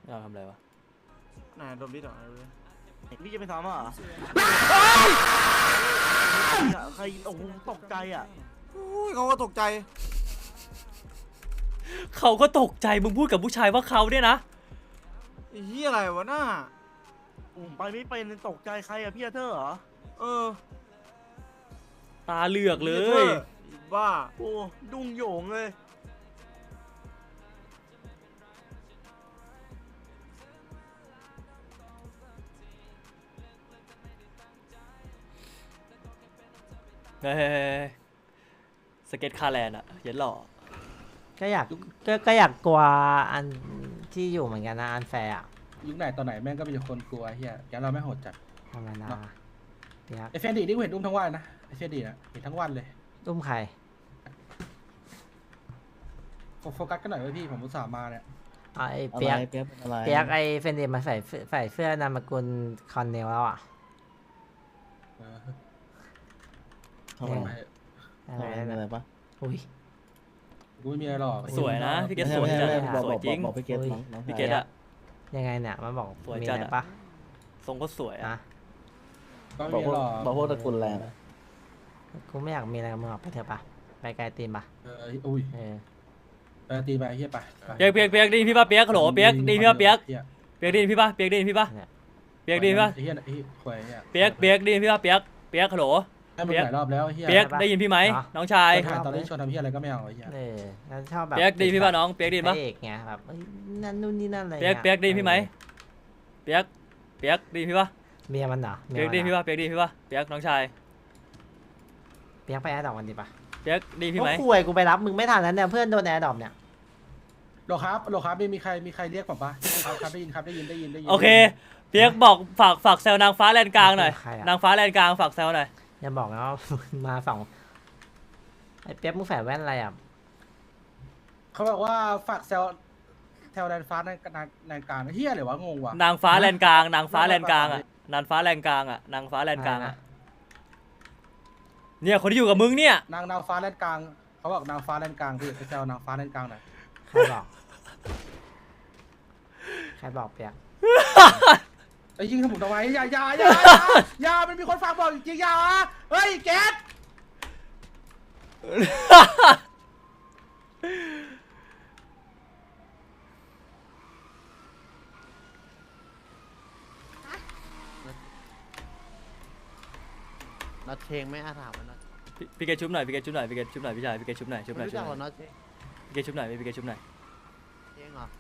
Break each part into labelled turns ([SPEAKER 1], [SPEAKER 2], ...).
[SPEAKER 1] เราทำอะไรวะ
[SPEAKER 2] ไหนดมดิต่อพี่จะไปซ้อมเหรอใครโอ้โหตกใจอ่ะ
[SPEAKER 3] เขาก็ตกใจ
[SPEAKER 1] เขาก็ตกใจมึงพูดกับผู้ชายว่าเขาเนี่ยนะ
[SPEAKER 3] ไอ้เหี้ยอะไรวะน่า
[SPEAKER 2] ไปไม่เป็นตกใจใครอะพี่อาเธอร์เหรอ
[SPEAKER 1] ตาเหลือกเลย
[SPEAKER 3] บ้า
[SPEAKER 2] โอ้ดุ้งโหยงเลย
[SPEAKER 1] เฮ้ยสเก็ตคาแลนด์อะเย็นหล่อ
[SPEAKER 4] ก็อยากกลัวอันที่อยู่เหมือนกันนะอันแฟร์อะ
[SPEAKER 5] ยุคไหนตอนไหนแม่งก็มีคนกลัวเฮียแกเราไม่โหดจัด
[SPEAKER 4] ธรรมดา
[SPEAKER 5] ไอเฟนดีนี่กูเห็นอุ้มทั้งวันนะไอเฟนดีนะเห็นทั้งวันเลย
[SPEAKER 4] อุ้มใคร
[SPEAKER 5] โฟกัสกันหน่อยไว้พี่ผมอุตส่าห์มาเนี่ย
[SPEAKER 4] ไอเปียกไอเฟนเดมาใส่เสื้อนามสกุลคอนเนลแล้วอ่ะ
[SPEAKER 5] ทำไม
[SPEAKER 4] อะไรปะอุ้ย
[SPEAKER 5] กูไม่มีอะไรหรอก
[SPEAKER 1] สวยนะพี่เกศสวยจังสวยจริง
[SPEAKER 3] พี่เกศ
[SPEAKER 1] พี่เกศอะ
[SPEAKER 4] ยังไงเนี่ยมันบอก
[SPEAKER 1] สวยจัด
[SPEAKER 4] ปะ
[SPEAKER 1] ทรงก็สวยอะ
[SPEAKER 5] บอก
[SPEAKER 3] พวกตระกูลแรง
[SPEAKER 4] กูไม่อยากมีอะไรกับมึงหรอกไปเถอะปะไปไกลตีนปะ
[SPEAKER 5] อุ้ยไปตีไปเฮียไป
[SPEAKER 1] เปียกดีพี่ป่ะเปียกโหลเปียกดีพี่ป่ะเปียกดีพี่ป่ะเปียกดีพี่ป่ะเปียกดีพี่ป่ะ
[SPEAKER 5] เฮียควาย
[SPEAKER 1] เปียกดีพี่ป่ะเปียกโหล
[SPEAKER 5] เปียกหลายรอบแล้วเฮีย
[SPEAKER 1] เปียกได้ยินพี่ไหมน้องชาย
[SPEAKER 5] ตอนนี้ชวนทำเฮียอะไรก็ไม่เอาเฮีย
[SPEAKER 4] แล้วชอบแบบ
[SPEAKER 1] เปียกดีพี่ป่ะน้องเปียกดีป่ะ
[SPEAKER 4] เอกไงแบบนั่นนู่นนี่นั่นอะไร
[SPEAKER 1] เปียกดีพี่ไหมเปียกดีพี่ป่ะ
[SPEAKER 4] เมียมันเหรอ
[SPEAKER 1] เปียกดีพี่ป่ะเปียกดีพี่ป่ะเปียกน้องชาย
[SPEAKER 4] เปียกไปแอร์ดรอปกันดีป่ะ
[SPEAKER 1] เปียกดีพี่ไหม
[SPEAKER 4] คุยกูไปรับมึงไม่ทันแล้วเนี่ยเพื่อนโดนแอร์ดรอปเนี่ย
[SPEAKER 5] โลครับมีใครเรียกผมปะครับได้ยิน
[SPEAKER 1] โอเคเปียกบอกฝากแซวนางฟ้าแลนกลางหน่อยนางฟ้าแลนกลางฝากแซวหน่อย
[SPEAKER 4] อย่าบอกนะว่ามาสองไอ้เปียกมึงแฝงแว่นอะไรอ่ะ
[SPEAKER 5] เขาบอกว่าฝากแถวแลนฟ้าในกลางเฮียเลยวะงงวะ
[SPEAKER 1] นางฟ้าแลนกลางนางฟ้าแลนกลางอ่ะนางฟ้าแลนกลางอ่ะนางฟ้าแลนกลางอ่ะเนี่ยคนที่อยู่กับมึงเนี่ย
[SPEAKER 5] นางฟ้าแลนกลางเขาบอกนางฟ้าแลนกลางพี่ไปแซวนางฟ้าแลนกลางหน่อย
[SPEAKER 4] ใครบอกเปียก
[SPEAKER 5] ไอ้ยิงสมุนเอาไว้อย่ามันมีคนฝากบอกจริงอย่าเฮ้ยแก๊ส
[SPEAKER 3] นัดเชงไม่อาถามมันนะ
[SPEAKER 1] พี่เกชุบหน่อยพี่ชายพี่ชายพี่เกชุบหน่อยพี่เกชุบหน่อยพี่เกชุบหน่อยพี่เกชุบหน่อย
[SPEAKER 3] เชงเหรอ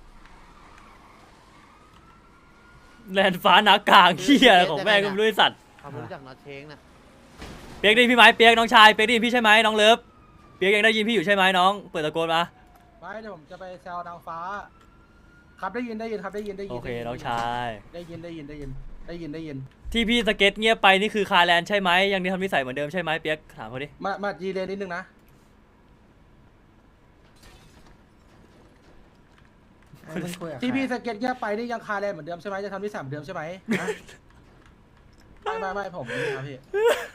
[SPEAKER 1] แลนฟ้านักกลางเฮียของแม่ก็ไม่รู้สัตว์
[SPEAKER 3] เขารู้จักนัดเชงนะ
[SPEAKER 1] เปียกดีพี่ไหมเปียกน้องชายเปียกดีพี่ใช่ไหมน้องเลิฟเปียกยังได้ยินพี่อยู่ใช่ไหมน้องเปิดตะโกนมา
[SPEAKER 5] ไม่เดี๋ยวผมจะไปแซวนางฟ้าครับได้ยินครับได้ยิน
[SPEAKER 1] โอเคน้องชาย
[SPEAKER 5] ได้ยิน
[SPEAKER 1] ที่พี่สเก็ตเงียบไปนี่คือคาแลนใช่ไหมยังนี่ทำนิสัยเหมือนเดิมใช่ไหมเปียกถามเขาดิ
[SPEAKER 5] มาจีเลนนิดนึงนะที่พี่สเก็ตเงียบไปนี่ยังคาแลนเหมือนเดิมใช่ไหมจะทำนิสัยเหมือนเดิมใช่ไหมไม่ผมไม่ครับพี่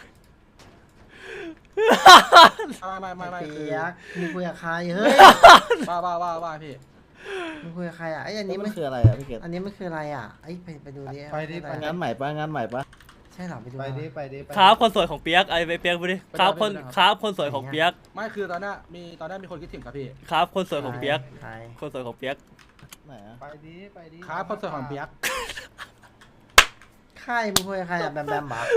[SPEAKER 5] ไม่
[SPEAKER 4] เปียกมึงคุยกับใครเฮ้ย
[SPEAKER 5] ว่าพี่
[SPEAKER 4] มึงคุยกับใครอ่ะไอ้อันนี้
[SPEAKER 3] มันคืออะไรอ่ะพี่เกศ
[SPEAKER 4] อันนี้มันคืออะไรอ่ะไอ้ไปดูดิ
[SPEAKER 3] ไปงานใหม่ปะ
[SPEAKER 4] ใช่หรอไปดู
[SPEAKER 3] ไป
[SPEAKER 1] ครับคนสวยของเปียกไอ้เปียกไปดิครับคนสวยของเปียก
[SPEAKER 5] ไม่คือตอนนี้มีคนคิดถึงครับพี่
[SPEAKER 1] ครับคนสวยของเปียกคนสวยของเปียก
[SPEAKER 3] ไหนอ่ะไปดิ
[SPEAKER 5] ครับคนสวยของเปียก
[SPEAKER 4] ใครมึงคุยกับใครอ่ะแบมบ้า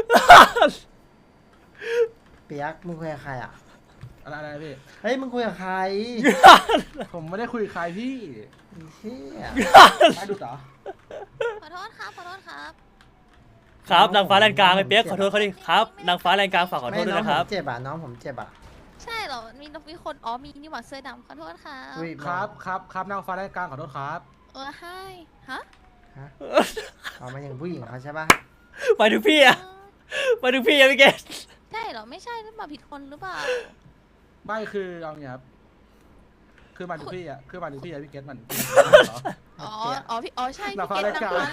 [SPEAKER 4] เปียกมึงคุยกับใครอ่ะ
[SPEAKER 5] อะไรพี่
[SPEAKER 4] เฮ้ยมึงคุยกับใคร
[SPEAKER 5] ผมไม่ได้คุยกับใครพี่
[SPEAKER 4] เชี่ย
[SPEAKER 5] ไม่ดูต่อ
[SPEAKER 6] ขอโทษครับ
[SPEAKER 1] ครับนางฟ้าแลนกลางไอ้เปียกขอโทษเขาดิครับนางฟ้าแลนกลางฝากขอโทษด้วยนะครับ
[SPEAKER 4] เจ็บอ่ะน้องผมเจ็บอ่ะ
[SPEAKER 6] ใช่เหรอมีคนมีนี่หว่าเสื้อดำขอโทษครับ
[SPEAKER 5] ครับนางฟ้าแลนกลางขอโทษครับ
[SPEAKER 6] ให้ฮะ
[SPEAKER 4] เอามาอย่างผู้หญิงเขาใช่ป่ะ
[SPEAKER 1] ไปถึงพี่อะพี่เกศ
[SPEAKER 6] ใช่เหรอไม่ใช่หรือเปล่าผิดคนหรือเปล่า
[SPEAKER 5] ไม่คือเอาเงี้ยครับคือมาถึงพี่อะพี่เกศมัน
[SPEAKER 6] พี่ใช่พี่เกศนางฟ้าเลนกลาง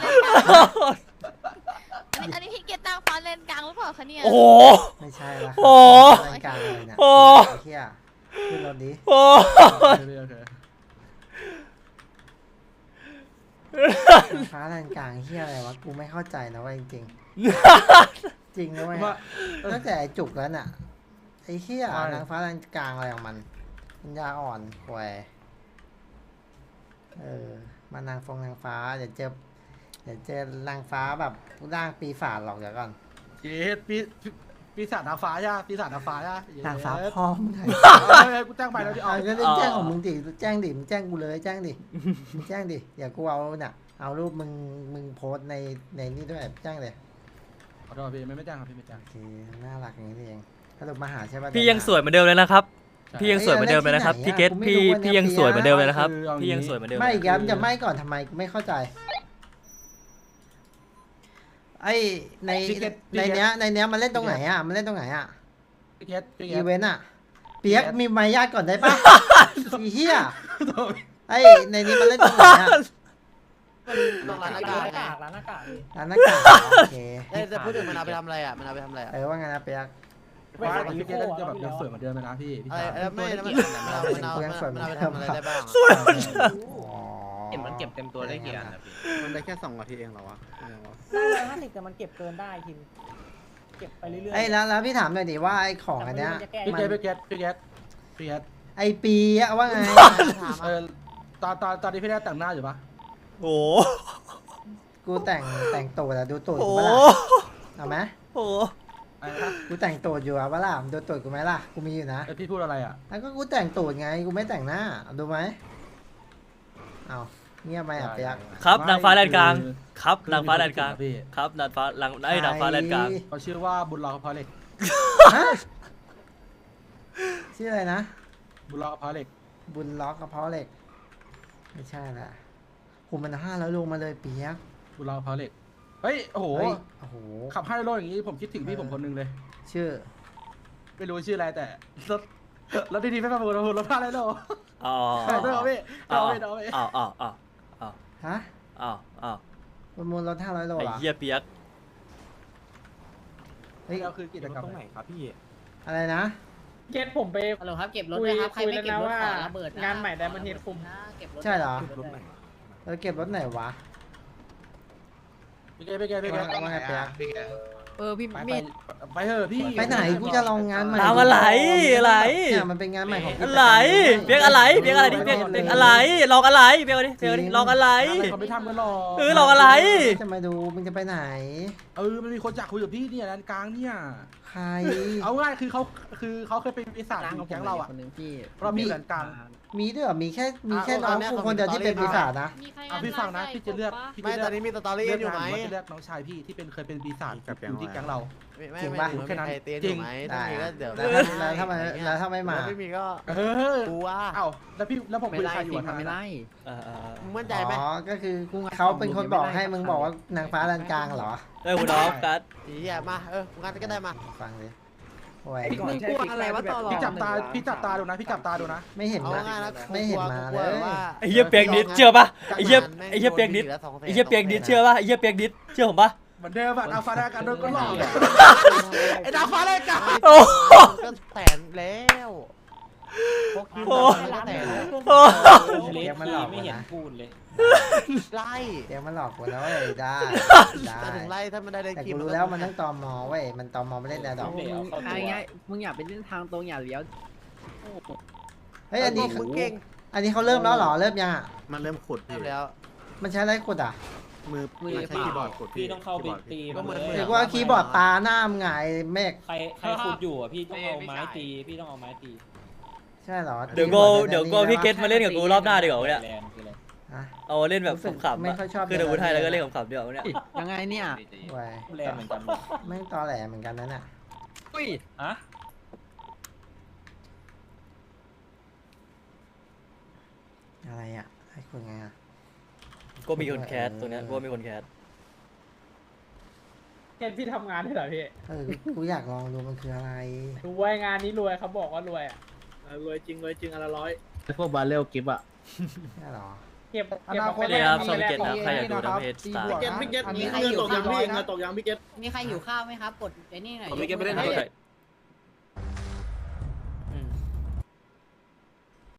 [SPEAKER 6] อันนี้พี่เกศนางฟ้าเลนกลางหรือเปล่าคะเนี่ย
[SPEAKER 1] โอ้
[SPEAKER 4] ไม่ใช่ละเลนกลางเลยเนี่ยเฮียขึ้นรถดิ
[SPEAKER 1] โอ้
[SPEAKER 4] นางฟ้าแดนกลางเฮียอะไรวะกูไม่เข้าใจนะว่าจริงๆ จริงนะเว้ย
[SPEAKER 5] ว่า
[SPEAKER 4] ตั้งแต่ไอ้จุกแล้วน่ะไอ้เฮียนางฟ้าแดนกลางอะไรของมันปัญญาอ่อนควยมานางฟ้าเดี๋ยวเจอนางฟ้าแบบร่างปีศาจหรอกเดี๋ยวก่อน
[SPEAKER 5] เย็ดปีศาจนางฟ้าย่าปีศาจนางฟ้าย่าน
[SPEAKER 4] างฟ้าพ่อมึงไง
[SPEAKER 5] กูแจ้งไปแล้วดิ
[SPEAKER 4] เอาก็แจ้งของมึงดิแจ้งดิมึงแจ้งกูเลยแจ้งดิมึงแจ้งดิอย่ากูเอาน่ะเอารูปมึงโพสต์ในนี่ด้วยแจ้งเลย
[SPEAKER 5] ขอโทษพี่ไม่แจ้งครับพี่ไม่แจ้ง
[SPEAKER 4] โอเคน่ารักอย่างนี้นี่เองสรุปมาหาใช่ป่ะ
[SPEAKER 1] พี่ยังสวยเหมือนเดิมเลยนะครับพี่ยังสวยเหมือนเดิมเลยนะครับพี่เกตพี่ยังสวยเหมือนเดิมเลยนะครับพี่ยังสวยเหมือนเดิม
[SPEAKER 4] ไม่ย้ำจะไม่ก่อนทำไมไม่เข้าใจไอ้ในเนี้ยมันเล่นตรงไหนอ่ะมันเล่นตรงไหนอ่ะ
[SPEAKER 5] พี่เกต
[SPEAKER 4] อีเวนต์อ่ะเปียกมีมารยาทก่อนได้ปะอีเหี้ยไอ้ในนี้มันเล่นตรงไหนอ่ะ
[SPEAKER 3] ต้องร้านหน้ากากไง
[SPEAKER 4] ร้านหน้ากากโอเค
[SPEAKER 3] แต่พูดถึงมันเอาไปทำอะไรอ่ะมันเอาไปทำอะไรอ่ะ
[SPEAKER 4] ว่าไงนะเปียก
[SPEAKER 5] ว่าพี่เกตจะแบบยังสวยเหมือนเดิมเลยนะพี่
[SPEAKER 3] อะไรไม่แล้วมันเอาไปทำอะไรได้บ้าง
[SPEAKER 7] เห็นมันเก็บเต็มตัวได้กี่อันนะพี่
[SPEAKER 3] มันได้แค่2 นาทีเองเหรอวะ
[SPEAKER 8] ได้150แต่มันเก็บเกินได้คิมเก็บไปเรื่อยๆ
[SPEAKER 4] ไอ้แล้วพี่ถามหน่อยดิว่าไอ้ของอันเนี้ย
[SPEAKER 5] พี่
[SPEAKER 4] มั
[SPEAKER 5] เก
[SPEAKER 4] น
[SPEAKER 5] ตพี่เกต
[SPEAKER 4] ไอ้ปีอะว่าไง
[SPEAKER 5] ตอนนี้พี่ได้แต่งหน้าอยู่ปะ
[SPEAKER 1] โอ้
[SPEAKER 4] กูแต่งตูดอะดูตูด
[SPEAKER 1] โห
[SPEAKER 4] กูปะล่ะเอาไหม
[SPEAKER 1] โอ้
[SPEAKER 4] กูแต่งตูดอยู่อะปะล่ะดูตูดกูไหมล่ะกูมีอยู่นะ
[SPEAKER 5] พี่พูดอะไรอ่ะ
[SPEAKER 4] แล้วก็กูแต่งตูดไงกูไม่แต่งหน้าดูไหมเอาเงียบไปอ่ะเปียก
[SPEAKER 1] ครับนางฟ้าแดนกลางครับนางฟ้าแดนกลางครับนางฟ้าหลังนางฟ้าแดนกลาง
[SPEAKER 5] เขาชื่อว่าบุญรอพอเล็ก
[SPEAKER 4] ฮะชื่ออะไรนะ
[SPEAKER 5] บุญรอพอเล็ก
[SPEAKER 4] บุญล็อกกระเพาะเหล็กไม่ใช่ละหูมัน500 โลมาเลยเปียก
[SPEAKER 5] บุญรอพอเล็กเฮ้ยโอ้โห
[SPEAKER 4] เฮ้ยโอ้โห
[SPEAKER 5] ขับ5 โลอย่างนี้ผมคิดถึงพี่ผมคนนึงเลย
[SPEAKER 4] ชื่อ
[SPEAKER 5] ไม่รู้ชื่ออะไรแต่รถดีๆไม่ประมูลรถ5 โล
[SPEAKER 1] อ๋อ
[SPEAKER 5] ขายด้วยเหรอพี่
[SPEAKER 1] อ๋อ
[SPEAKER 5] เอาไป
[SPEAKER 4] ฮะ
[SPEAKER 1] อ๋อ
[SPEAKER 4] ประมูลรถ500 โล
[SPEAKER 1] ไอ้
[SPEAKER 4] เหรอ
[SPEAKER 1] เหี้ยเปียก
[SPEAKER 4] เฮ้ย
[SPEAKER 5] เราคือกิจกรรม
[SPEAKER 7] ตรงไหนครับพี่
[SPEAKER 4] อะไรนะ
[SPEAKER 8] เก็ตผมไป
[SPEAKER 9] ฮัลโหลครับเก็บรถด้วยครับใครไม่เก็บรถขอระเบิดนะ
[SPEAKER 8] งานใหม่ไดมอนด์เฮดคุม
[SPEAKER 9] เก็บรถ
[SPEAKER 4] ใช่เหรอ
[SPEAKER 7] รถไหน
[SPEAKER 4] เก็บรถไหนวะ
[SPEAKER 5] พี่เกพี่
[SPEAKER 4] ว่าไงเปียก
[SPEAKER 9] พี่
[SPEAKER 5] ไป
[SPEAKER 9] มีด
[SPEAKER 5] ไปเถอะพี่
[SPEAKER 4] ไปไหนกูจะลองงานใหม่
[SPEAKER 1] ทำอะไรอะไร
[SPEAKER 4] เนี่ยมันเป็นงานใหม่ของกู
[SPEAKER 1] อะไรเปียกอะไรเปียกอะไรดิเปียกอะไรลองอะไรเปียกอะไรเปียกอะไรลองอะไร
[SPEAKER 5] เขาไม่ทำกันหรอก
[SPEAKER 1] ลองอะไร
[SPEAKER 4] จะมาดูมึงจะไปไหน
[SPEAKER 5] มันมีคนอยากคุยกับพี่เนี่ยร้านกลางเนี่ย
[SPEAKER 4] ใคร
[SPEAKER 5] เอาง่ายคือเขาเคยเป็นปีศาจอยู่แก๊งเราอ่ะ
[SPEAKER 7] คนนึงพี่
[SPEAKER 5] เรามีร้านกลาง
[SPEAKER 4] มีด้วยเหรอมีแค่น้องกูคนเดียวที่เป็นปีศาจนะ
[SPEAKER 6] มีใคร
[SPEAKER 5] พี่ฟังนะพี่จะเลือก
[SPEAKER 3] ไม่ตอนนี้มีสตอรี่อยู่ไหม
[SPEAKER 5] จะเลือกน้องชายพี่ที่เป็นเคยเป็นปีศาจอยู่ที่แก๊งเรา
[SPEAKER 3] ไม่ใครเตียนอยู่ไหมถ้ามีก็เดี๋ยว
[SPEAKER 4] แล้วถ้าไม่มา
[SPEAKER 3] ไม่มีก็ กูว่า
[SPEAKER 5] เอ้าแล้วผมคุยใครอยู่
[SPEAKER 7] ไม่ไล่
[SPEAKER 3] มึงมั่นใจไหม
[SPEAKER 4] อ๋อก็คือเขาเป็นคนบอกให้มึงบอกว่านางฟ้าลานกลางเหรอ
[SPEAKER 1] คุณน้องกัด
[SPEAKER 3] อีอ่ะมางานก็ได้มา
[SPEAKER 4] ฟังเลยโอ้ย
[SPEAKER 7] มึงกลัวอะไรวะตลอด
[SPEAKER 5] พี่จับตาดูนะพี่จับตาดูนะ
[SPEAKER 4] ไม่เห็น
[SPEAKER 3] เอา
[SPEAKER 4] มา
[SPEAKER 3] ง่ายนะ
[SPEAKER 4] ไม่เห็นมาเลย
[SPEAKER 1] ไอ้เหี้ยเปียกนิดเชื่อปะไอ้เหี้ยเปียกนิดไอ้เหี้ยเปียกนิดเชื่อปะไอ้เหี้ยเปียกนิดเชื่อผมปะ
[SPEAKER 5] เหมือนเดิมอะดาวฟ้าแรกกันโดนก็หลอกไอ้ดาวฟ้าแรกกัน
[SPEAKER 1] โอ้
[SPEAKER 3] ก็แสนแล้วพวกคิวก็แสนแล้ว
[SPEAKER 4] เตียงมันหลอกไม่เห็น
[SPEAKER 7] พูดเลย
[SPEAKER 3] ไล่
[SPEAKER 4] เตียงมันหลอกกูแล้วเว้ยได้ได้
[SPEAKER 3] จะถึงไล่ถ้ามันได้เล่น
[SPEAKER 4] แต่
[SPEAKER 3] คิว
[SPEAKER 4] กูรู้แล้วมันต้องตอมอเว้ยมันตอมอไม่เล่นแดดดอก
[SPEAKER 7] ง่ายๆมึงอย่าไปเล่นทางตรงอย่าเลี้ยว
[SPEAKER 4] เฮ้ยอันนี้
[SPEAKER 3] มึงเก่ง
[SPEAKER 4] อันนี้เขาเริ่มแล้วเหรอเริ่มยังอ่ะ
[SPEAKER 3] มันเริ่มขุดแล้ว
[SPEAKER 4] มันใช้อะไรกดอ่ะ
[SPEAKER 3] มือใช้คีย์บอร์ดกด
[SPEAKER 7] พี่ต้องเข้าไปตี
[SPEAKER 3] ก็เหมือน
[SPEAKER 4] เรียกว่าคีย์บอร์ดปลาหน้ามึงไงเมฆ
[SPEAKER 7] ใครขุดอยู่อ่ะพี่ต้องเอาไม้ตีพี่ต้องเอาไม้ตี
[SPEAKER 4] ใช่เหรอ
[SPEAKER 1] เดี๋ยวโกพี่เกตมาเล่นกับกูรอบหน้าดีกว่าเนี่ย
[SPEAKER 7] แรงคืออะไร
[SPEAKER 4] ฮะ
[SPEAKER 1] เอาเล่นแบบขำๆ
[SPEAKER 4] ไม่ค่อยชอบ
[SPEAKER 1] คือเดี๋ยวกูไทยแล้วก็เล่นขำๆเดี๋ยวเนี่ย
[SPEAKER 7] ยังไงเนี่ย
[SPEAKER 4] ไว้
[SPEAKER 7] แรงเหมือนกัน
[SPEAKER 4] ไม่งตอแหลเหมือนกันนั่นน่ะ
[SPEAKER 7] อุ้ยฮะ
[SPEAKER 4] อะไรอ่ะให้คนไงอ่ะ
[SPEAKER 1] ก็มีคนแคสตรงเนี้ยก็มีคนแคส
[SPEAKER 8] เก็ตพี่ทำงานได้เหรอพี่
[SPEAKER 4] กูอยากลองดูมันคืออะไร
[SPEAKER 8] รวยงานนี้รวยเขาบอกว่ารวยอ่ะรวยจริงอันละร้อย
[SPEAKER 3] พวกบาเรลกิฟต์อ่ะ
[SPEAKER 4] ใช่เหรอ
[SPEAKER 8] เก็บ
[SPEAKER 5] อนาคต
[SPEAKER 1] นี่ครับช่องพี่เกตนะใครอยากดูนะเพจสตาร์
[SPEAKER 5] มีใครอยู่ข้าวไหมนะ
[SPEAKER 9] มีใครหิวข้าวไหมครับกดไอ้นี่หน่อย
[SPEAKER 1] ผมไม่เก็ตไปเล่นด้วย